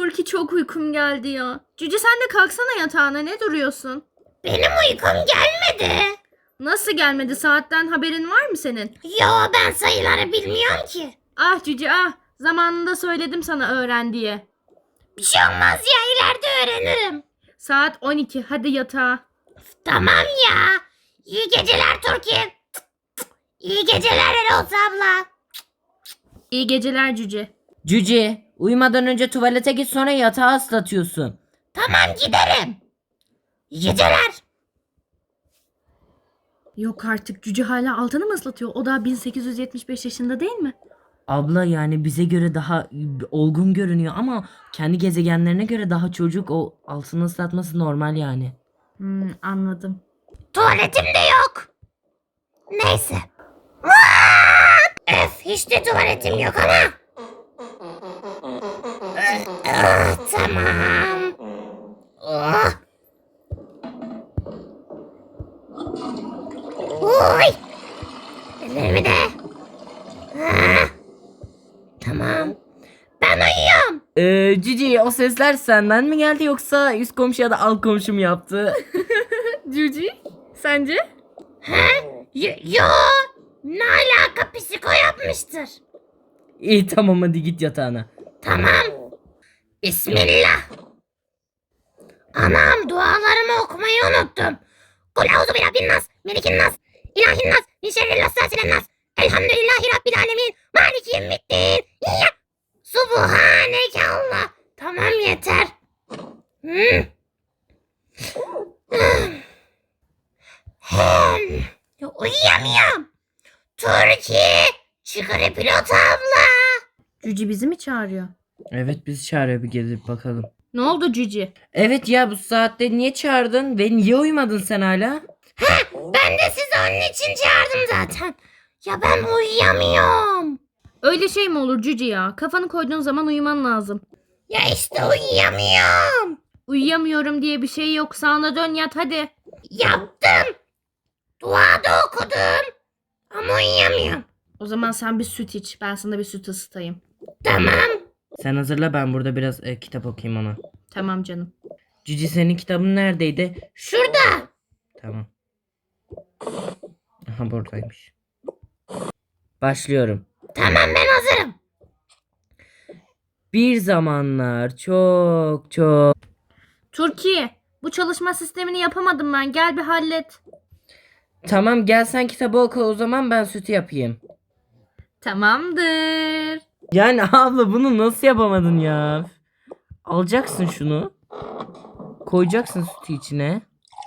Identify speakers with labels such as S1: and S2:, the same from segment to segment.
S1: Turki çok uykum geldi ya. Cüce sen de kalksana yatağına, ne duruyorsun?
S2: Benim uykum gelmedi.
S1: Nasıl gelmedi, saatten haberin var mı senin?
S2: Yo, ben sayıları bilmiyorum ki.
S1: Ah Cüce ah, zamanında söyledim sana öğren diye.
S2: Bir şey olmaz ya, ileride öğrenirim.
S1: Saat 12, hadi yatağa.
S2: Tamam ya. İyi geceler Türkiye. İyi geceler Erol abla.
S1: İyi geceler Cüce.
S3: Cüce, uyumadan önce tuvalete git, sonra yatağı ıslatıyorsun.
S2: Tamam, giderim. İyi geceler.
S1: Yok artık, Cüce hala altını mı ıslatıyor? O da 1875 yaşında değil mi?
S3: Abla yani bize göre daha olgun görünüyor ama kendi gezegenlerine göre daha çocuk, o altını ıslatması normal yani.
S1: Anladım.
S2: Tuvaletim de yok. Neyse. Öf, hiç de tuvaletim yok ama. Tamam. Oh. Oy. Ellerimi de. Ah. Tamam. Ben uyuyorum.
S3: Cici, o sesler senden mi geldi yoksa üst komşu ya da alt komşu mu yaptı?
S1: Cüce, sence?
S2: Yo. Ne alaka, psiko yapmıştır.
S3: İyi tamam, hadi git yatağına.
S2: Tamam. Bismillah. Anam, dualarımı okumayı unuttum. Kul auzu bi rabbin nas, melikin nas, ilahin nas, min şerril vesvaselen nas. Elhamdülillahi rabbil alemin, maliki yevmiddin. Ya. Subhaneke Allah. Tamam, yeter. Uyuyamıyorum. Türkiye, çıkarı pilot abla.
S1: Cüce bizi mi çağırıyor?
S3: Evet, bizi çağırıyor, bir gelip bakalım.
S1: Ne oldu Cüce?
S3: Evet ya, bu saatte niye çağırdın ve niye uyumadın sen hala?
S2: Ben de sizi onun için çağırdım zaten. Ya ben uyuyamıyorum.
S1: Öyle şey mi olur Cüce ya? Kafanı koyduğun zaman uyuman lazım.
S2: Ya işte uyuyamıyorum.
S1: Uyuyamıyorum diye bir şey yok. Sağına dön yat hadi.
S2: Yaptım. Dua da okudum. Ama uyuyamıyorum.
S1: O zaman sen bir süt iç. Ben sana bir süt ısıtayım.
S2: Tamam.
S3: Sen hazırla, ben burada biraz kitap okuyayım ona.
S1: Tamam canım.
S3: Cici, senin kitabın neredeydi?
S2: Şurada.
S3: Tamam. Aha, buradaymış. Başlıyorum.
S2: Tamam, ben hazırım.
S3: Bir zamanlar çok
S1: Türkiye, bu çalışma sistemini yapamadım ben. Gel bir hallet.
S3: Tamam, gel sen kitabı oku, o zaman ben sütü yapayım.
S1: Tamamdır.
S3: Yani abla, bunu nasıl yapamadın ya? Alacaksın şunu. Koyacaksın sütü içine.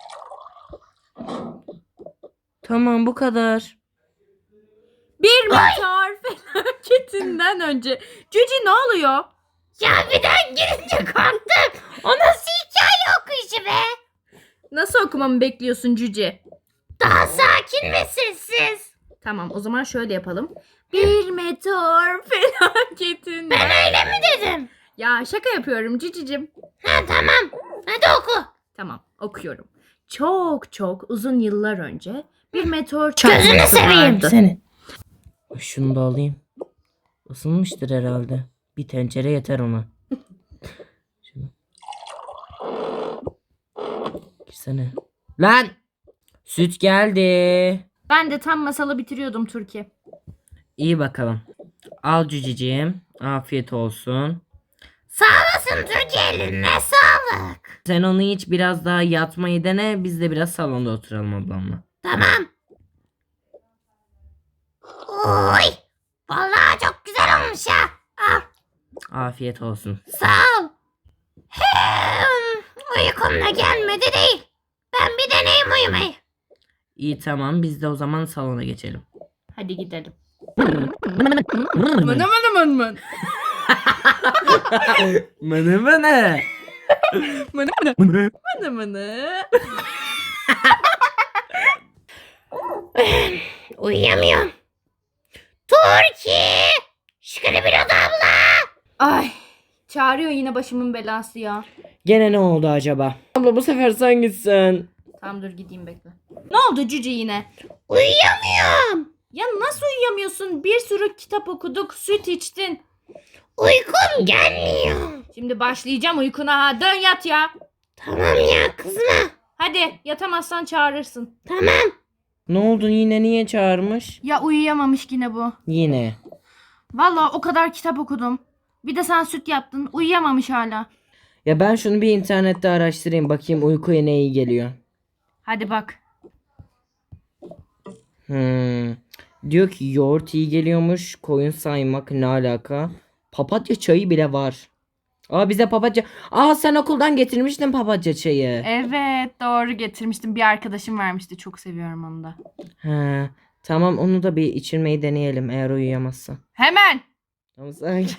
S3: Tamam, bu kadar.
S1: Bir meteor felaketinden önce. Cüce ne oluyor?
S2: Ya birden girince korktum. O nasıl hikaye okuyuşu be?
S1: Nasıl okumamı bekliyorsun Cüce?
S2: Daha sakin ve sessiz.
S1: Tamam, o zaman şöyle yapalım. Bir meteor felaketinden.
S2: Ben öyle mi dedim?
S1: Ya şaka yapıyorum Cücicim.
S2: Ha, tamam. Hadi oku.
S1: Tamam, okuyorum. Çok uzun yıllar önce bir meteor
S2: Gözünü
S1: çarpması
S2: seveyim
S1: vardı.
S2: seni.
S3: Şunu da alayım. Isınmıştır herhalde. Bir tencere yeter ona. Şunu. Girsene. Lan! Süt geldi.
S1: Ben de tam masalı bitiriyordum Türkiye.
S3: İyi bakalım. Al cüceciğim. Afiyet olsun.
S2: Sağ olasın Türkiye, eline sağlık.
S3: Sen onu iç, biraz daha yatmayı dene. Biz de biraz salonda oturalım ablamla.
S2: Tamam. Oy. Vallahi çok güzel olmuş ha. Al.
S3: Afiyet olsun.
S2: Sağ ol. Uykum da gelmedi değil. Ben bir deneyim uyumayı.
S3: İyi tamam, biz de o zaman salona geçelim.
S1: Hadi gidelim. Mın.
S3: Mını mını.
S1: Mını.
S2: Uyuyamıyorum. Türkiye. Şükür bir abla.
S1: Ay, çağırıyor yine başımın belası ya.
S3: Gene ne oldu acaba? Abla, bu sefer sen gitsen.
S1: Tamam dur gideyim, bekle. Ne oldu Cüce yine?
S2: Uyuyamıyorum.
S1: Ya nasıl uyuyamıyorsun? Bir sürü kitap okuduk, süt içtin.
S2: Uykum gelmiyor.
S1: Şimdi başlayacağım uykuna ha. Dön yat ya.
S2: Tamam ya kızma.
S1: Hadi yatamazsan çağırırsın.
S2: Tamam.
S3: Ne oldu yine, niye çağırmış?
S1: Ya uyuyamamış yine bu.
S3: Yine.
S1: Vallahi o kadar kitap okudum. Bir de sen süt yaptın. Uyuyamamış hala.
S3: Ya ben şunu bir internette araştırayım, bakayım uykuya ne iyi geliyor.
S1: Hadi bak.
S3: Diyor ki yoğurt iyi geliyormuş. Koyun saymak ne alaka? Papatya çayı bile var. Aa bize papatya. Aa sen okuldan getirmiştin papatya çayı.
S1: Evet doğru getirmiştim. Bir arkadaşım vermişti. Çok seviyorum onu da.
S3: He. Tamam onu da bir içirmeyi deneyelim eğer uyuyamazsa.
S1: Hemen.
S3: Tamam sanki.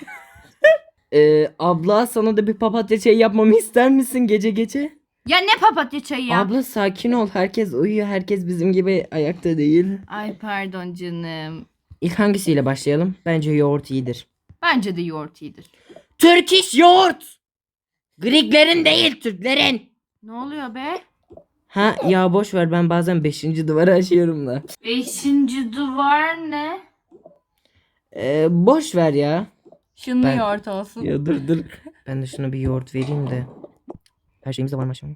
S3: Abla sana da bir papatya çayı yapmamı ister misin gece gece?
S1: Ya ne papatya çayı ya?
S3: Abla sakin ol. Herkes uyuyor. Herkes bizim gibi ayakta değil.
S1: Ay pardon canım.
S3: İlk hangisiyle başlayalım? Bence yoğurt iyidir.
S1: Bence de yoğurt iyidir.
S3: Türk iş yoğurt. Greklerin değil, Türklerin.
S1: Ne oluyor be?
S3: Ha ya boş ver, ben bazen 5. duvarı aşıyorum da.
S1: 5. duvar ne?
S3: Boş ver ya.
S1: Şunlu
S3: Ben-
S1: yoğurt olsun.
S3: Ya dur. Ben de şuna bir yoğurt vereyim de. Her şeyimiz de var maşallah.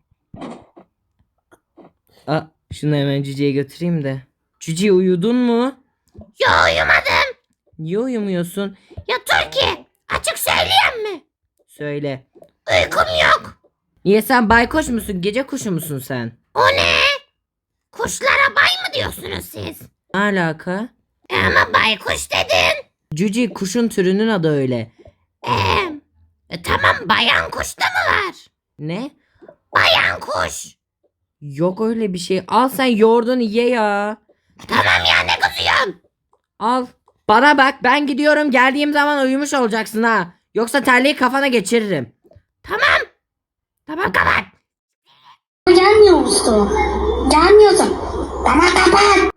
S3: Aa, şunu hemen Cüce'ye götüreyim de. Cüce uyudun mu?
S2: Yo uyumadım.
S3: Niye uyumuyorsun?
S2: Ya Türkiye açık söyleyeyim mi?
S3: Söyle.
S2: Uykum yok.
S3: Niye, sen baykuş musun? Gece kuşu musun sen?
S2: O ne? Kuşlara bay mı diyorsunuz siz?
S3: Ne alaka?
S2: Ama baykuş dedin.
S3: Cüce kuşun türünün adı öyle.
S2: Tamam bayan kuş da mı var?
S3: Ne?
S2: Bayan kuş.
S3: Yok öyle bir şey. Al sen yoğurdunu ye ya.
S2: Tamam ya ne kızıyorsun?
S3: Al. Bana bak, ben gidiyorum, geldiğim zaman uyumuş olacaksın ha. Yoksa terliği kafana geçiririm.
S2: Tamam. Tamam kapat.
S4: Gelmiyor Mustafa. Gelmiyorsun. Tamam kapat.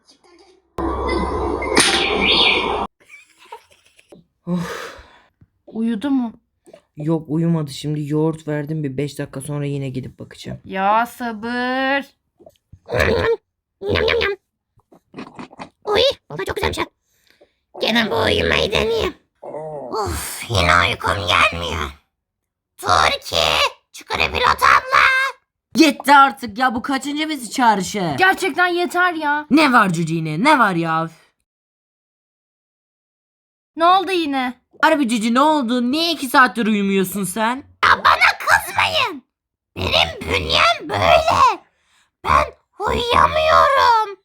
S1: Uyudu mu?
S3: Yok uyumadı, şimdi yoğurt verdim, bir 5 dakika sonra yine gidip bakacağım.
S1: Ya sabır.
S2: Yam yam yam. Uy, valla çok güzelmiş ha. Gene bu uyumayı deneyeyim. Of, yine uykum gelmiyor. Türkiye, çıkarı pilot abla.
S3: Yetti artık ya, bu kaçıncı bizi çağrışı?
S1: Gerçekten yeter ya.
S3: Ne var Cüce yine, ne var ya?
S1: Ne oldu yine?
S3: Harbi Cüce ne oldu? Niye 2 saattir uyumuyorsun sen?
S2: Ya bana kızmayın. Benim bünyem böyle. Ben uyuyamıyorum.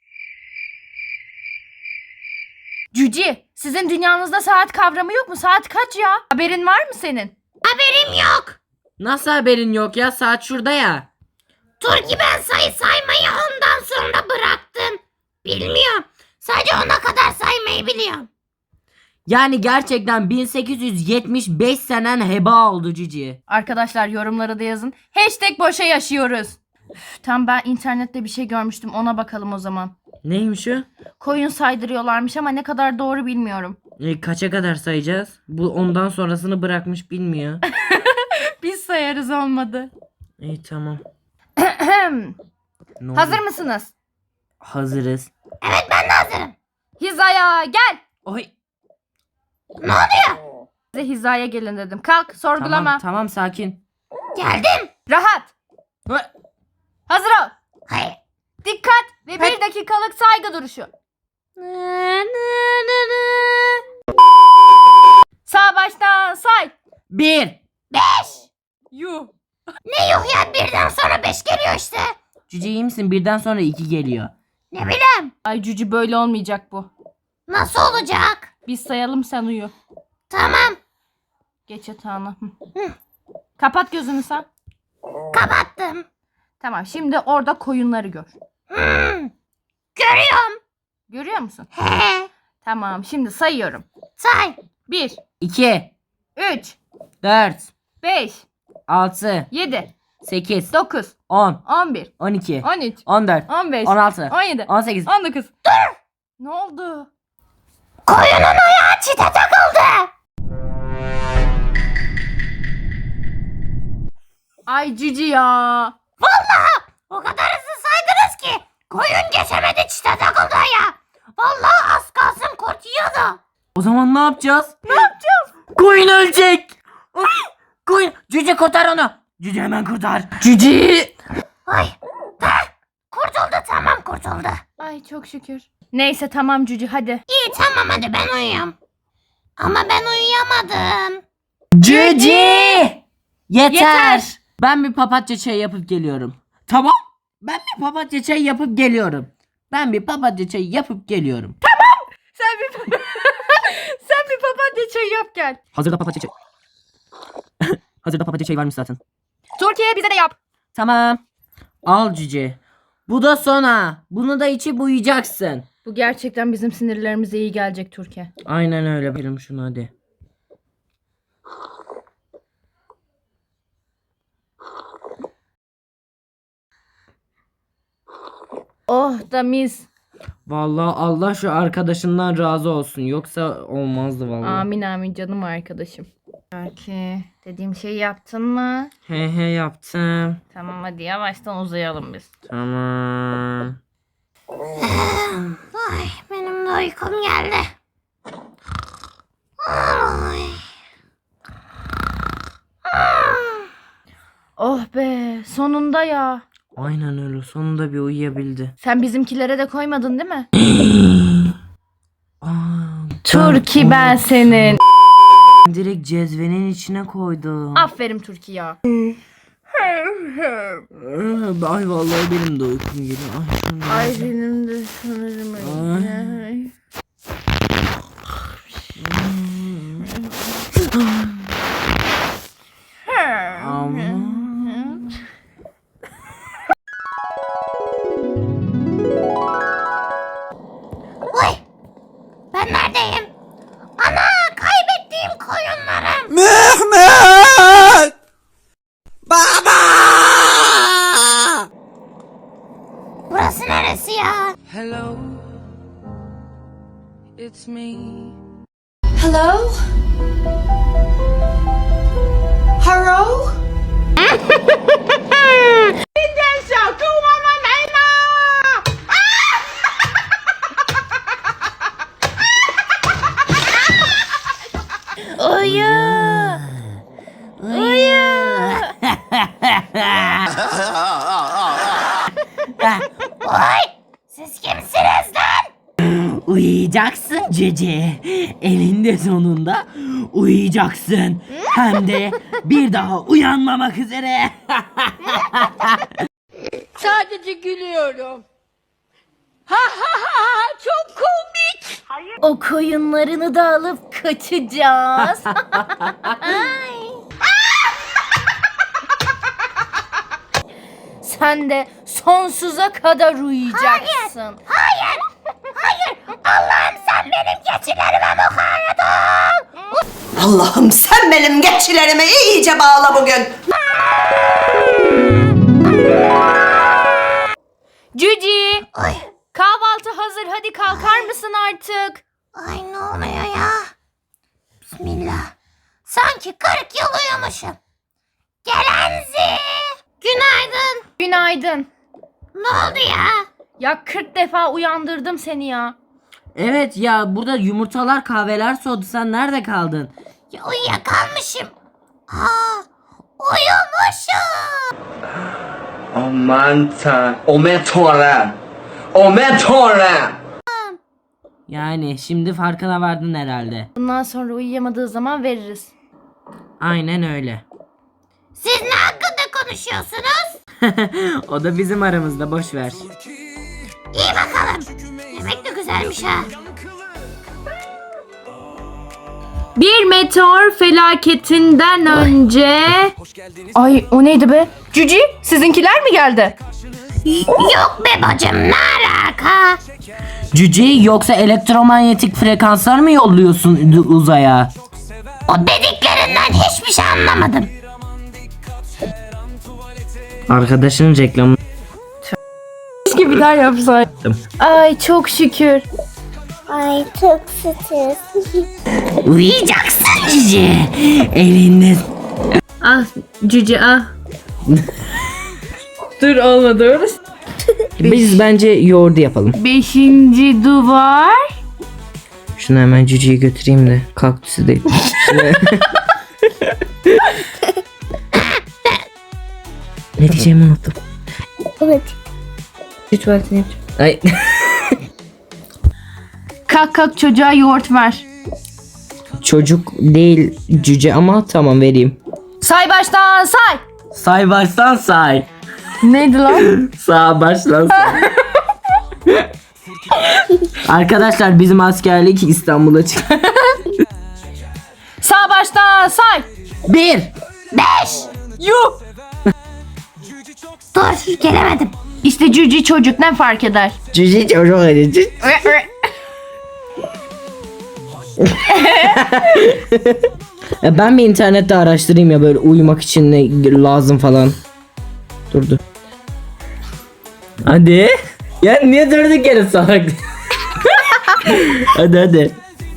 S1: Cüci, sizin dünyanızda saat kavramı yok mu? Saat kaç ya? Haberin var mı senin?
S2: Haberim yok.
S3: Nasıl haberin yok ya, saat şurada ya.
S2: Türkiye ben sayı saymayı ondan sonra bıraktım. Bilmiyorum. Sadece ona kadar saymayı biliyorum.
S3: Yani gerçekten 1875 senen heba oldu Cici.
S1: Arkadaşlar yorumlara da yazın. Hashtag boşa yaşıyoruz. Tam ben internette bir şey görmüştüm. Ona bakalım o zaman.
S3: Neymiş o?
S1: Koyun saydırıyorlarmış ama ne kadar doğru bilmiyorum.
S3: Kaça kadar sayacağız? Bu ondan sonrasını bırakmış, bilmiyor.
S1: Biz sayarız olmadı.
S3: İyi tamam. Ne
S1: Hazır
S3: oldu?
S1: mısınız?
S3: Hazırız.
S2: Evet ben de hazırım.
S1: Hizaya gel.
S3: Oy.
S2: Ne oluyor?
S1: Size hizaya gelin dedim. Kalk sorgulama.
S3: Tamam sakin.
S2: Geldim.
S1: Rahat.
S3: Hı.
S1: Hazır ol.
S2: Hayır.
S1: Dikkat ve bir dakikalık saygı duruşu. Sağ baştan say.
S3: 1.
S2: 5.
S1: Yuh.
S2: Ne yuh ya birden sonra 5 geliyor işte.
S3: Cüce iyi misin? Birden sonra 2 geliyor.
S2: Ne bileyim.
S1: Ay Cücü böyle olmayacak bu.
S2: Nasıl olacak?
S1: Biz sayalım sen uyu.
S2: Tamam.
S1: Geç yatağına. Kapat gözünü sen.
S2: Kapattım.
S1: Tamam şimdi orada koyunları gör.
S2: Görüyorum.
S1: Görüyor musun?
S2: He.
S1: Tamam şimdi sayıyorum.
S2: Say.
S1: 1,
S3: 2.
S1: 3,
S3: 4.
S1: 5,
S3: 6.
S1: 7,
S3: 8.
S1: 9,
S3: 10.
S1: 11,
S3: 12.
S1: 13,
S3: 14.
S1: 15,
S3: 16.
S1: 17,
S3: 18.
S1: 19. Ne oldu?
S2: Koyunun ayağı çite takıldı.
S1: Ay Cici ya.
S2: Vallahi o kadar hızlı saydınız ki. Koyun geçemedi çite takıldı ya. Vallahi az kalsın kurt yiyordu.
S3: O zaman ne yapacağız? Koyun ölecek. Koyun. Cüce kurtar onu. Cüce hemen kurtar. Cüce.
S2: Ay. Kurtuldu, tamam kurtuldu.
S1: Ay çok şükür. Neyse tamam Cüce hadi.
S2: İyi tamam hadi ben uyuyayım. Ama ben uyuyamadım.
S3: Cüce. Yeter.
S1: Yeter.
S3: Ben bir papatya çayı yapıp geliyorum. Tamam. Ben bir papatya çayı yapıp geliyorum. Ben bir papatya çayı yapıp geliyorum.
S1: Sen bir sen bir papatya çayı yap gel.
S3: Hazırda papatya çayı. Hazırda papatya çayı varmış zaten.
S1: Türkiye bize de yap.
S3: Tamam. Al cüce. Bu da sona. Bunu da içip uyuyacaksın.
S1: Bu gerçekten bizim sinirlerimize iyi gelecek Türkiye.
S3: Aynen öyle. Verim şunu hadi.
S1: Oh da mis.
S3: Vallahi Allah şu arkadaşından razı olsun. Yoksa olmazdı vallahi.
S1: Amin amin canım arkadaşım. Belki dediğim şeyi yaptın mı?
S3: He yaptım.
S1: Tamam hadi yavaştan uzayalım biz.
S3: Tamam.
S2: Ay benim de uykum geldi. Ay.
S1: Oh be sonunda ya.
S3: Aynen öyle. Sonunda bir uyuyabildi.
S1: Sen bizimkilere de koymadın değil mi?
S3: Aa,
S1: Turki ben senin.
S3: direkt cezvenin içine koydum.
S1: Aferin Turki ya.
S3: Ay vallahi benim de uykum geliyor. Ay,
S1: Ay benim de sanırım öyle.
S3: Ama...
S2: Uy. Ben neredeyim? Ana kaybettiğim koyunlarım.
S5: Mehmet! Baba!
S2: Burası neresi ya?
S6: Hello, it's me.
S7: Hello? Hello?
S1: Uyu. Uyu.
S2: Oy siz kimsiniz lan?
S3: Uyuyacaksın cece. Elinde sonunda uyuyacaksın. Hem de bir daha uyanmamak üzere.
S1: Sadece gülüyorum. Ha ha ha çok komik. O koyunlarını da alıp kaçacağız. Sen de sonsuza kadar uyuyacaksın.
S2: Hayır. Allah'ım sen benim keçilerime mukayyet ol.
S7: Allah'ım sen benim geçilerimi iyice bağla bugün.
S1: Cüci,
S2: Ay.
S1: kahvaltı hazır. Hadi kalkar mısın artık?
S2: Ay ne oluyor ya? Bismillah. Sanki 40 yıl uyumuşum. Gelenzi. Günaydın.
S1: Günaydın.
S2: Ne oldu ya?
S1: Ya 40 defa uyandırdım seni ya.
S3: Evet ya, burada yumurtalar kahveler soğudu. Sen nerede kaldın?
S2: Ya uyuyakalmışım. Aa, uyumuşum.
S5: Aman tanrım. Aman tanrım. Aman tanrım.
S3: Yani şimdi farkına vardın herhalde.
S1: Bundan sonra uyuyamadığı zaman veririz.
S3: Aynen öyle.
S2: Siz ne hakkında konuşuyorsunuz?
S3: O da bizim aramızda, boş ver.
S2: İyi bakalım. Yemek de güzelmiş ha.
S1: Bir meteor felaketinden önce... Ay o neydi be? Cüci sizinkiler mi geldi?
S2: Yok be bacım ne alaka?
S3: Cüce, yoksa elektromanyetik frekanslar mı yolluyorsun uzaya?
S2: O dediklerinden hiçbir şey anlamadım.
S3: Arkadaşının reklamı.
S1: Keşke bir daha yapsaydım. Ay çok şükür.
S2: Ay çok stres.
S3: Uyuyacaksın Cüce. Elinde.
S1: Ah Cüce ah. Dur olmadı orası.
S3: Biz bence yoğurdu yapalım.
S1: 5. duvar.
S3: Şunu hemen Cüce'yi götüreyim de kaktüsü değil. Ne diyeceğimi unuttum.
S2: Evet.
S3: Bir tuvaletini yapacağım. Ay.
S1: Kalk kalk çocuğa yoğurt ver.
S3: Çocuk değil cüce ama tamam vereyim.
S1: Say baştan say.
S3: Say baştan say.
S1: Neydi lan?
S3: Sağ baştan say. Arkadaşlar bizim askerlik İstanbul'a çıktı.
S1: Sağ baştan say.
S3: 1.
S2: 5.
S1: Yuh.
S2: Dur gelemedim.
S1: İşte cüce çocuk ne fark eder?
S3: Cüce çocuk öyle. Ben bir internette araştırayım ya böyle uyumak için ne lazım falan. Durdu. Hadi. Ya niye durduk yere salak? hadi.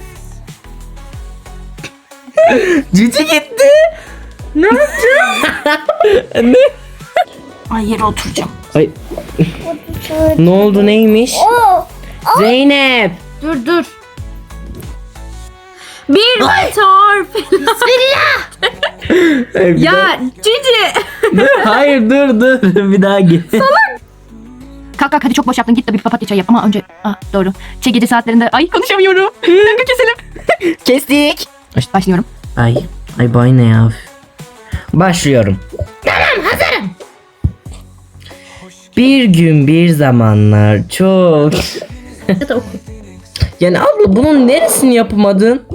S3: Cüce gitti. Ne yaptın? ne?
S1: Ay yere oturacağım.
S3: Ay. ne oldu neymiş? Zeynep.
S1: Dur. Bir meteor. Ya cüce.
S3: Hayır dur bir daha git.
S1: Kalk hadi çok boş yaptın git de bir papatya çayı yap ama önce doğru. Gece saatlerinde ay konuşamıyorum. Dakika keselim.
S3: Kestik.
S1: Başlıyorum.
S3: Ay bay ne ya? Başlıyorum.
S2: Tamam hazırım.
S3: Bir gün bir zamanlar çok. Yani abla bunun neresini yapamadın?